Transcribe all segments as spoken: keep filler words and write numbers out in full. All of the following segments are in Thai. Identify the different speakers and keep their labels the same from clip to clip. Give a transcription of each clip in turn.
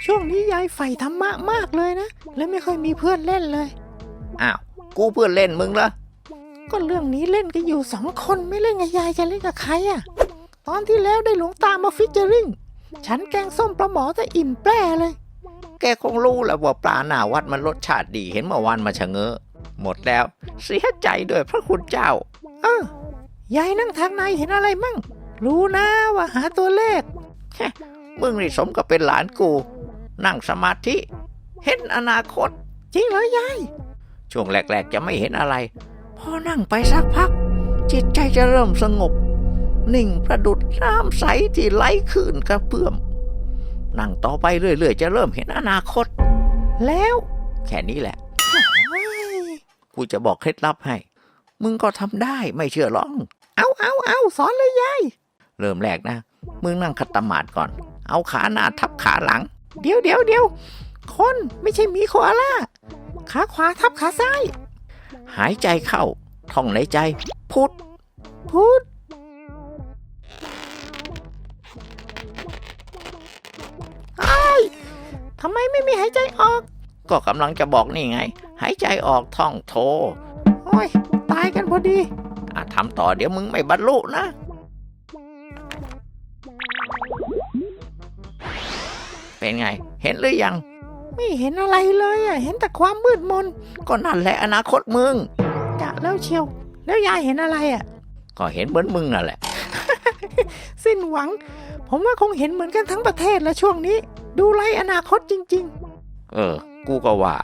Speaker 1: ช่วงนี้ยายใฝ่ธรรมะมากเลยนะเลยไม่ค่อยมีเพื่อนเล่นเลย
Speaker 2: อ้าวกูเพื่อนเล่นมึงเหรอ
Speaker 1: ก็เรื่องนี้เล่นกันอยู่สองคนไม่เล่นกับยายจะเล่นกับใครอ่ะตอนที่แล้วได้หลวงตามาฟิชเจอริงฉันแกงส้มปลาหมอจะอิ่มแปร่เลย
Speaker 2: แกคงรู้แหละว่าปลาหน้าวัดมันรสชาติดีเห็นเมื่อวานมาชะเง้อหมดแล้วเสียใจด้วยพระคุณเจ้า
Speaker 1: เออยายนั่งทางในเห็นอะไรมั่งรู้นะว่าหาตัวเลข
Speaker 2: มึงนี่สมกับเป็นหลานกูนั่งสมาธิเห็นอนาคต
Speaker 1: จริงเหรอยาย
Speaker 2: ช่วงแรกๆจะไม่เห็นอะไรพอนั่งไปสักพักจิตใจจะเริ่มสงบนิ่งประดุจน้ำใสที่ไหลขื่นกระเพื่อมนั่งต่อไปเรื่อยๆจะเริ่มเห็นอนาคต
Speaker 1: แล้ว
Speaker 2: แค่นี้แหละกูจะบอกเคล็ดลับให้มึงก็ทำได้ไม่เชื่อลอง
Speaker 1: เอาเอาเอาสอนเลยยาย
Speaker 2: เริ่มแรกนะมึงนั่งคัตตมาดก่อนเอาขาหน้าทับขาหลัง
Speaker 1: เดี๋ยวเดี๋ยวเดี๋ยวคนไม่ใช่หมีโคอาล่าขาขวาทับขาซ้าย
Speaker 2: หายใจเข้าท่องในใจพุท
Speaker 1: พุทไอ้ทำไมไม่มีหายใจออก
Speaker 2: ก็กำลังจะบอกนี่ไงหายใจออกท่องโท
Speaker 1: โอ้ยตายกันพอดี
Speaker 2: อ่ะทำต่อเดี๋ยวมึงไม่บรรลุนะเป็นไงเห็นหรือยัง
Speaker 1: ไม่เห็นอะไรเลยอ่ะเห็นแต่ความมืดมน
Speaker 2: ก็นั่นแหละอนาคตมึง
Speaker 1: จะแล้วเชียวแล้วยายเห็นอะไรอ่ะ
Speaker 2: ก็เห็นเหมือนมึงนั่นแหละ
Speaker 1: สิ้นหวังผมว่าคงเห็นเหมือนกันทั้งประเทศแล้วช่วงนี้ดูไร้อนาคตจริง
Speaker 2: ๆเออกูก็ว่า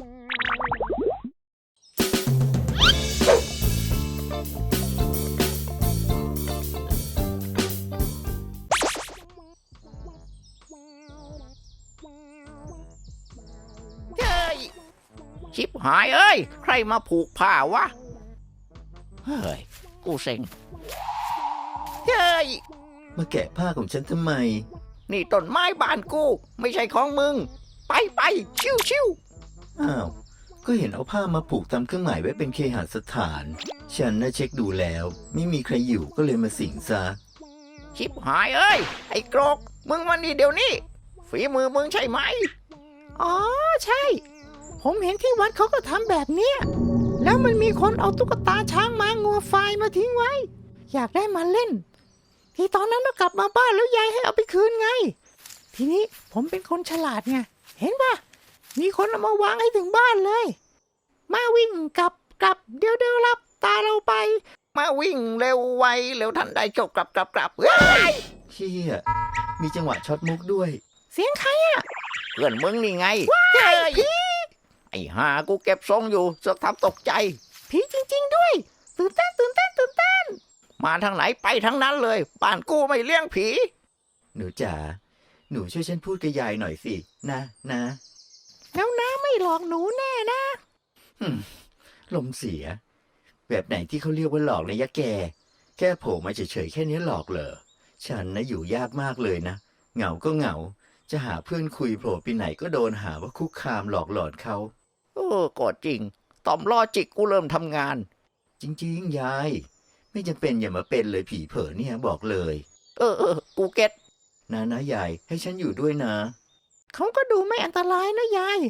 Speaker 2: ชิบหายเอ้ยใครมาผูกผ้าวะเฮ้ยกูเซ็งเฮ้ย
Speaker 3: มาแกะผ้าของฉันทำไม
Speaker 2: นี่ต้นไม้บ้านกูไม่ใช่ของมึงไปไปชิวชิว
Speaker 3: อ้าวก็เห็นเอาผ้ามาผูกทำเครื่องหมายไว้เป็นเคหสถานฉันน่ะเช็คดูแล้วไม่มีใครอยู่ก็เลยมาสิงซะ
Speaker 2: ชิบหายเอ้ยไอ้กรกมึงมานี่เดี๋ยวนี้ฝีมือมึงใช่ไหม
Speaker 1: อ๋อใช่ผมเห็นที่วัดเขาก็ทำแบบเนี้ยแล้วมันมีคนเอาตุ๊กตาช้างม้างัวควายมาทิ้งไว้อยากได้มาเล่นที่ตอนนั้นเรากลับมาบ้านแล้วยายให้เอาไปคืนไงทีนี้ผมเป็นคนฉลาดไงเห็นป่ะมีคนเอามาวางให้ถึงบ้านเลยมาวิ่งกลับกลับเดี๋ยวเดี๋ยวรับตาเราไป
Speaker 2: มาวิ่งเร็วไวเร็วทันใดจบกลับกลับกลับเฮ้ย
Speaker 3: เชี่ยมีจังหวะช็อตมุกด้วย
Speaker 1: เสียงใครอ่ะ
Speaker 2: เพื่อนมึงนี่ไง
Speaker 1: เฮ้ย
Speaker 2: ไอ้ห่ากูเก็บทรงอยู่เสือกทำตกใจ
Speaker 1: ผีจริงๆด้วยตื่นเต้นตื่นเต้นตื่นเต้น
Speaker 2: มาทางไหนไปทางนั้นเลยบ้านกูไม่เลี้ยงผี
Speaker 3: หนูจ๋าหนูช่วยฉันพูดกับยายหน่อยสินะนะ
Speaker 1: แล้วน้าไม่หลอกหนูแน่นะ
Speaker 3: ลมเสียแบบไหนที่เขาเรียกว่าหลอกนะยะแกแค่โผล่มาเฉยๆแค่นี้หลอกเหรอฉันนะอยู่ยากมากเลยนะเหงาก็เหงาจะหาเพื่อนคุยโผล่ไปไหนก็โดนหาว่าคุกคามหลอกหลอนเขา
Speaker 2: เออก็จริงต่อมลอจิกกูเริ่มทำงาน
Speaker 3: จริงๆยายไม่จำเป็นอย่ามาเป็นเลยผีเผลอเนี่ยบอกเลย
Speaker 2: เออเออกูเก็ต
Speaker 3: นะนะยายให้ฉันอยู่ด้วยนะ
Speaker 1: เขาก็ดูไม่อันตรายนะยาย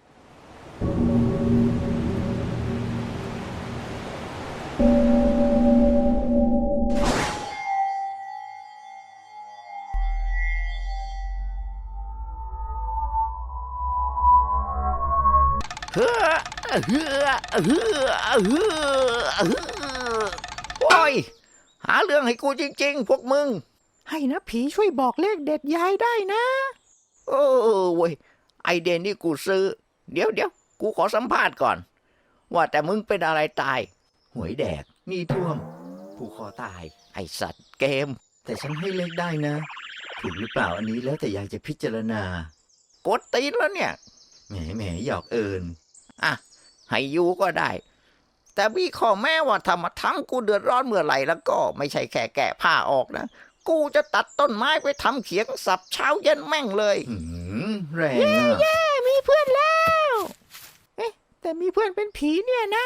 Speaker 2: เฮ้อเฮ้อเฮ้อเฮ้อโอ้ยหาเรื่องให้กูจริงๆพวกมึง
Speaker 1: ให้นะผีช่วยบอกเลขเด็ดยายได้นะ
Speaker 2: เออเว้ยไอเดนนี่กูซื้อเดี๋ยวเดี๋ยวกูขอสัมภาษณ์ก่อนว่าแต่มึงเป็นอะไรตาย
Speaker 3: หวยแดกมีท่วมผูกคอตาย
Speaker 2: ไอสัตว์เกม
Speaker 3: แต่ฉันให้เลขได้นะถูกหรือเปล่าอันนี้แล้วแต่ยายจะพิจารณาก
Speaker 2: ดตีนแล้วเนี่ย
Speaker 3: แหมแหมหยอกเอิญ
Speaker 2: อ่ะให้อยู่ก็ได้แต่พี่ขอแม้ว่าถ้ามาทั้งกูเดือดร้อนเมื่อไหร่แล้วก็ไม่ใช่แค่แกะผ้าออกนะกูจะตัดต้นไม้ไปทำเขียงสับเช้าเย็นแม่งเลย
Speaker 3: แรงอ่ะ
Speaker 1: เย้มีเพื่อนแล้วเอ๊ะแต่มีเพื่อนเป็นผีเนี่ยนะ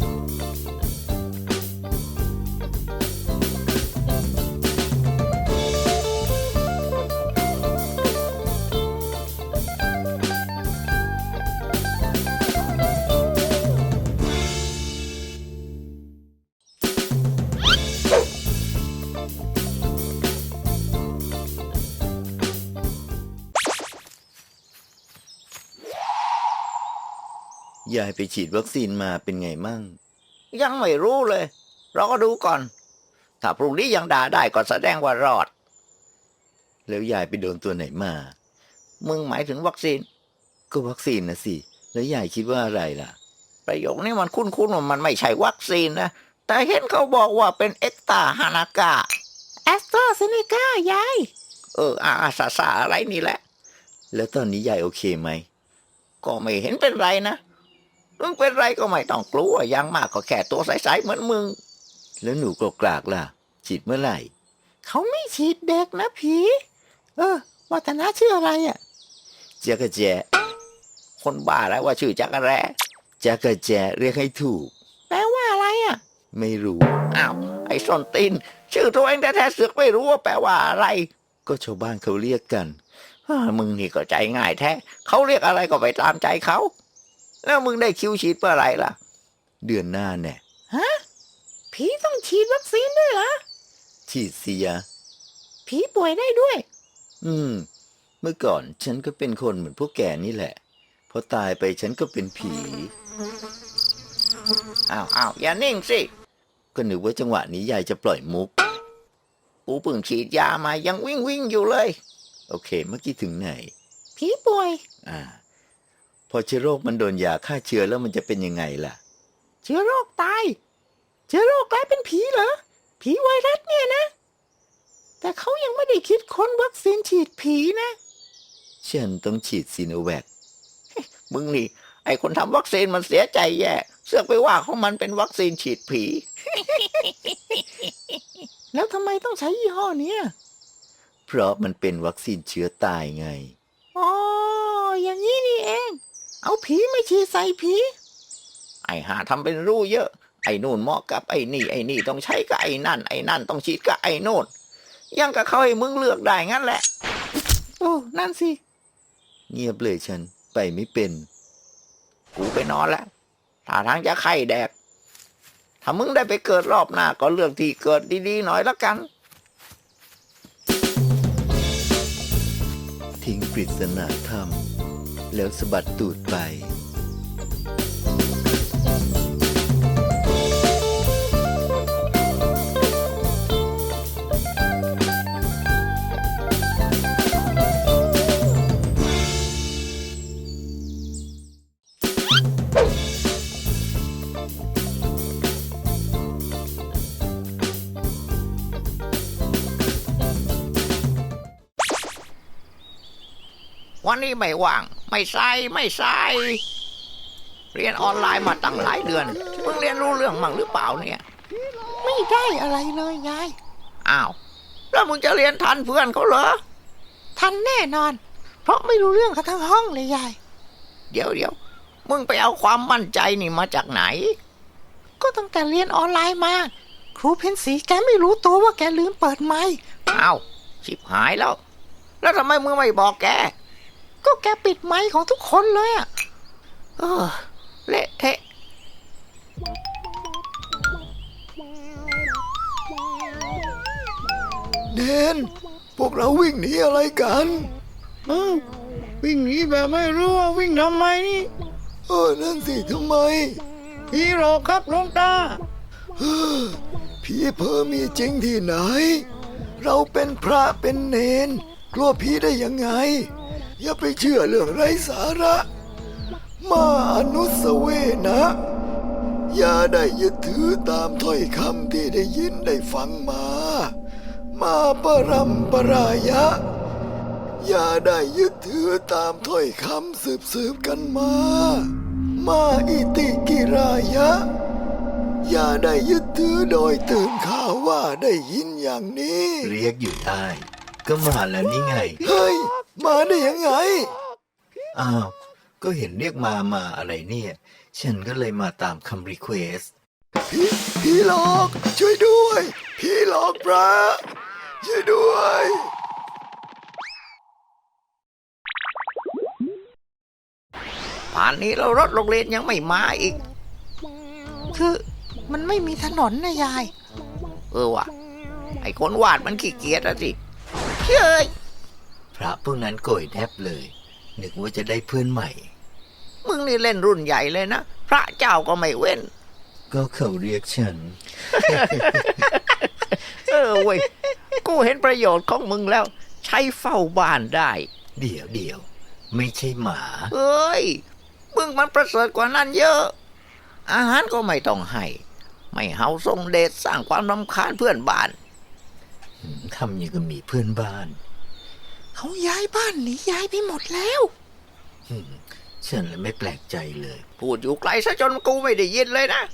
Speaker 2: โ
Speaker 3: ยายไปฉีดวัคซีนมาเป็นไงมั่ง
Speaker 2: ยังไม่รู้เลยเราก็ดูก่อน ถ้าพรุ่งนี้ยังด่าได้ก็แสดงว่ารอด
Speaker 3: แล้วยายไปโดนตัวไหนมา
Speaker 2: มึงหมายถึงวัคซีน
Speaker 3: ก็วัคซีนนะสิ แล้วยายคิดว่าอะไรล่ะ
Speaker 2: ประโยคนี้มันคุ้นๆว่ามันไม่ใช่วัคซีนนะ แต่เห็นเขาบอกว่าเป็นเอ็กตาฮานากา
Speaker 1: แอสตราเซเนกายาย
Speaker 2: เอออาอาสาสาอะไรนี่แหละ
Speaker 3: แล้วตอนนี้ยายโอเคไหม
Speaker 2: ก็ไม่เห็นเป็นไรนะมึงเป็นไรก็ไม่ต้องกลัวอยังมากก็แค่ตัวใสๆเหมือนมึง
Speaker 3: แล้วหนูกกรากล่ะ ฉีดเมื่อไหร่
Speaker 1: เขาไม่ฉีดเด็กนะผี เออวัฒนาชื่ออะไรอ่ะ
Speaker 3: จักรแจ
Speaker 2: คนบ้าแล้วว่าชื่อจักรแร้
Speaker 3: จักรแจเรียกให้ถูก
Speaker 1: แปลว่าอะไรอ่ะ
Speaker 3: ไม่รู้
Speaker 2: อ้าวไอ้ส้นตีนชื่อตัวเองแท้ๆเสือกไม่รู้ว่าแปลว่าอะไร
Speaker 3: ก็ชาวบ้านเขาเรียกกัน
Speaker 2: ฮ่ามึงนี่ก็ใจง่ายแท้เขาเรียกอะไรก็ไปตามใจเขาแล้วมึงได้คิวฉีดเมื่อไหร่ล่ะ
Speaker 3: เดือนหน้าแน่
Speaker 1: ฮะ ผีต้องฉีดวัคซีนด้วยเหรอ
Speaker 3: ฉีดสิยะ
Speaker 1: ผีป่วยได้ด้วย
Speaker 3: อืม เมื่อก่อนฉันก็เป็นคนเหมือนพวกแกนี่แหละ พอตายไปฉันก็เป็นผี
Speaker 2: อ้าวอ้าวอย่านิ่งสิ
Speaker 3: ก็นึกว่าจังหวะนี้ยายจะปล่อยมุก
Speaker 2: กูเพิ่งฉีดยามายังวิ่งวิ่งอยู่เลย
Speaker 3: โอเค เมื่อกี้ถึงไหน
Speaker 1: ผีป่วย
Speaker 3: อ่า พอเชื้อโรคมันโดนยาฆ่าเชื้อแล้วมันจะเป็นยังไงล่ะ
Speaker 1: เชื้อโรคตาย เชื้อโรคกลายเป็นผีเหรอ ผีไวรัสเนี่ยนะ แต่เขายังไม่ได้คิดค้นวัคซีนฉีดผีนะ
Speaker 3: ฉันต้องฉีดซีโนแวค
Speaker 2: มึงนี่ไอ้คนทำวัคซีนมันเสียใจแย่เสือกไปว่าของมันเป็นวัคซีนฉีดผี
Speaker 1: แล้วทำไมต้องใช้ยี่ห้อเนี้ย
Speaker 3: เพราะมันเป็นวัคซีนเชื้อตายไง
Speaker 1: อ๋อ อย่างนี้นี่เอง เอาผีไม่ฉีดใส่ผี
Speaker 2: ไอ้หาทำเป็นรู้เยอะ ไอ้นู่นเหมาะกับไอ้นี่ไอ้นี่ต้องใช้กับไอ้นั่นไอ้นั่นต้องฉีดกับไอ้โน่นยังกับเขาให้มึงเลือกได้งั้นแหละ
Speaker 1: โอ้ นั่นสิ
Speaker 3: เงียบเลยฉัน ไปไม่เป็น
Speaker 2: กูไปนอนแล้วถ้าทางจะไข้แดก ถ้ามึงได้ไปเกิดรอบหน้าก็เลือกที่เกิดดีๆหน่อยละกัน
Speaker 3: ทิ้งปริศนาธรรม แล้วสะบัดตูดไป
Speaker 2: วันนี้ไม่ว่าง ไม่ใส่ไม่ใส่เรียนออนไลน์มาตั้งหลายเดือนมึงเรียนรู้เรื่องมั่งหรือเปล่าเนี่ย
Speaker 1: ไม่ได้อะไรเลยยาย
Speaker 2: อ้าวแล้วมึงจะเรียนทันเพื่อนเขาเหรอ
Speaker 1: ทันแน่นอน เพราะไม่รู้เรื่องกันทั้งห้องเลยยาย
Speaker 2: เดี๋ยวเดี๋ยวมึงไปเอาความมั่นใจนี่มาจากไหน
Speaker 1: ก็ตั้งแต่เรียนออนไลน์มา ครูเพนสีแกไม่รู้ตัวว่าแกลืมเปิดไมค์
Speaker 2: อ้าวชิบหายแล้ว แล้วทำไมมึงไม่บอกแก
Speaker 1: ก็แกปิดไมค์ของทุกคนเลยอะ
Speaker 2: เออเละเทะ
Speaker 3: เนนพวกเราวิ่งหนีอะไรกัน
Speaker 1: เออวิ่งหนีแบบไม่รู้ว่าวิ่งทำไมนี่
Speaker 3: เออ นั่นสิทำไม
Speaker 1: ผีหลอกครับหลวงตา
Speaker 3: ผีเพ้อมีจริงที่ไหน เราเป็นพระเป็นเนน กลัวผีได้ยังไง อย่าไปเชื่อเรื่องไร้สาระ มาอนุสเวนะ อย่าได้ยึดถือตามถ้อยคำที่ได้ยินได้ฟังมา มาปรัมปรายะ อย่าได้ยึดถือตามถ้อยคำสืบสืบกันมา มาอิติกิรายะ อย่าได้ยึดถือโดยตื่นข่าวว่าได้ยินอย่างนี้ เรียกอยู่ได้ ก็มาแล้วนี่ไง เฮ้ย มาได้ยังไง อ้าว ก็เห็นเรียกมามาอะไรเนี่ย ฉันก็เลยมาตามคำรีเควสพี่พี่หลอก ช่วยด้วย พี่หลอกพระช่วยด้วย
Speaker 2: ป่านนี้เรารถโรงเรียนยังไม่มาอีก
Speaker 1: คือมันไม่มีถนนนะยาย
Speaker 2: เออว่ะไอ้คนวาดมันขี้เกียจอะสิเฮ้ย
Speaker 3: พระพวกนั้นโกรธแทบเลย นึกว่าจะได้เพื่อนใหม่
Speaker 2: มึงมึงนี่เล่นรุ่นใหญ่เลยนะ พระเจ้าก็ไม่เว้น
Speaker 3: ก็เขาเรียกฉัน
Speaker 2: เออเว้ย กูเห็นประโยชน์ของมึงแล้ว ใช้เฝ้าบ้านได้
Speaker 3: เดี๋ยวเดี๋ยวไม่ใช่หมา
Speaker 2: เอ้ย มึงมันประเสริฐกว่านั้นเยอะ อาหารก็ไม่ต้องให้ ไม่เฮาทรงเดชสร้างความรำคาญเพื่อนบ้าน
Speaker 3: ทำอย่างกับมีเพื่อนบ้าน
Speaker 1: เขาย้ายบ้านหนีย้ายไปหมดแล้ว
Speaker 3: อืมฉันเลยไม่แปลกใจเลย
Speaker 2: พูดอยู่ไกลซะจนกูไม่ได้ยินเลยนะ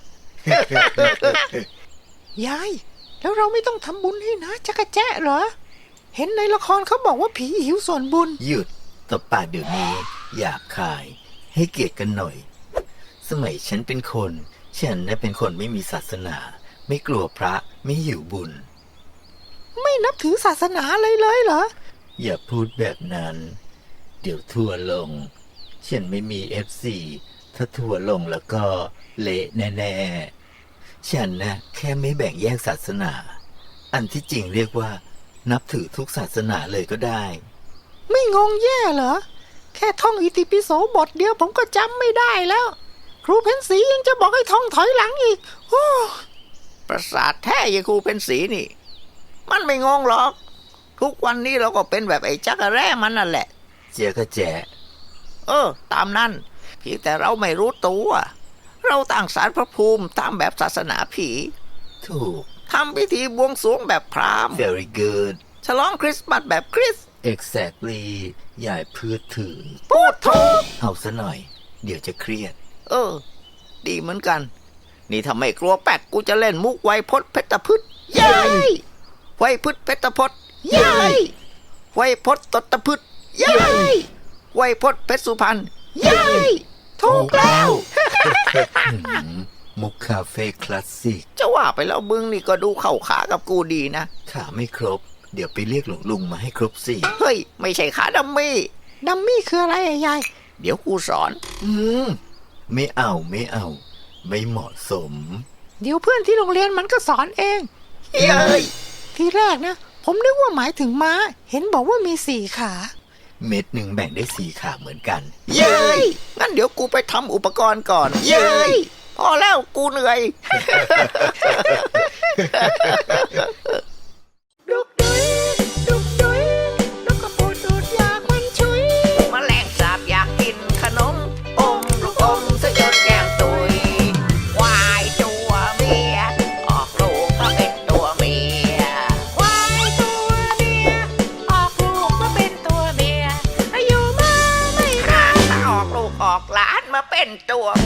Speaker 1: ยาย แล้วเราไม่ต้องทำบุญให้นะจักรแจ๊ะเหรอ เห็นในละครเขาบอกว่าผีหิวส่วนบุญ
Speaker 3: หยุดตบปากเดี๋ยวนี้หยาบคาย ให้เกียรติกันหน่อย สมัยฉันเป็นคน ฉันน่ะเป็นคนไม่มีศาสนา ไม่กลัวพระไม่หิวบุญ
Speaker 1: ไม่นับถือศาสนาเลยเลยเหรอ
Speaker 3: อย่าพูดแบบนั้น เดี๋ยวทัวร์ลง ฉันไม่มีเอฟซีถ้าทัวร์ลงแล้วก็เละแน่ๆ ฉันนะแค่ไม่แบ่งแยกศาสนา อันที่จริงเรียกว่า นับถือทุกศาสนาเลยก็ได้
Speaker 1: ไม่งงแย่เหรอ แค่ท่องอิติปิโสบทเดียวผมก็จำไม่ได้แล้ว ครูเพนสียังจะบอกให้ท่องถอยหลังอีกโอ้
Speaker 2: ประสาทแท้ยายครูเป็นสีนี่ มันไม่งงหรอก ทุกวันนี้เราก็เป็นแบบไอ้จักรแร่มันนั่นแหละ
Speaker 3: เจ๊ก็แจ๊ะ
Speaker 2: เออ ตามนั้นเพียงแต่เราไม่รู้ตัว เราตั้งศาลพระภูมิตามแบบศาสนาผี
Speaker 3: ถูก
Speaker 2: ทำพิธีบวงสรวงแบบพราหมณ์
Speaker 3: very good
Speaker 2: ฉลองคริสต์มาสแบบคริสต์
Speaker 3: exactly อย่าพูดถึง
Speaker 2: พูดถูก
Speaker 3: เอาซะหน่อย เดี๋ยวจะเครียด
Speaker 2: เออ ดีเหมือนกัน นี่ถ้าไม่กลัวแป๊กกูจะเล่นมุกไวยพจน์เพชรพืชเย้ยไวยพืชเพชรพจน์เย้ยไวยพจน์ตตพืชเย้ยไวยพจน์เพชรสุพรรณเย้ยถูกแล้ว
Speaker 3: หืมมุกคาเฟ่คลาสสิก
Speaker 2: จะว่าไปแล้วมึงนี่ก็ดูเข้าขากับกูดีนะ
Speaker 3: ขาไม่ครบ เดี๋ยวไปเรียกหลวงลุงมาให้ครบสี่
Speaker 2: เฮ้ย ไม่ใช่ขาดัมมี่
Speaker 1: ดัมมี่คืออะไรอะยาย
Speaker 2: เดี๋ยวกูสอน
Speaker 3: อืมไม่เอาไม่เอา ไม่เหมาะสม
Speaker 1: เดี๋ยวเพื่อนที่โรงเรียนมันก็สอนเอง
Speaker 2: เย้ย
Speaker 1: ทีแรกนะ ผมนึกว่าหมายถึงม้า เห็นบอกว่ามีสี่ขา
Speaker 3: เม็ดหนึ่งแบ่งได้สี่ขาเหมือนกัน
Speaker 2: เย้ยงั้นเดี๋ยวกูไปทำอุปกรณ์ก่อน เย้ยพอแล้วกูเหนื่อย
Speaker 1: ดุกดุยดุกดุยนกกระปูดดูดยาควันชุย
Speaker 2: แมลงสาบอยากกินขนมอมลูกอมซะจนแก้มตุยควายตัวเมียออกลูกมาเป็นตัวเมีย
Speaker 1: ควายตัวเมียออกลูกมาเป็นตัวเมียอายุมาไม่นาน
Speaker 2: ถ้าออกลูกออกหลานมาเป็นตัว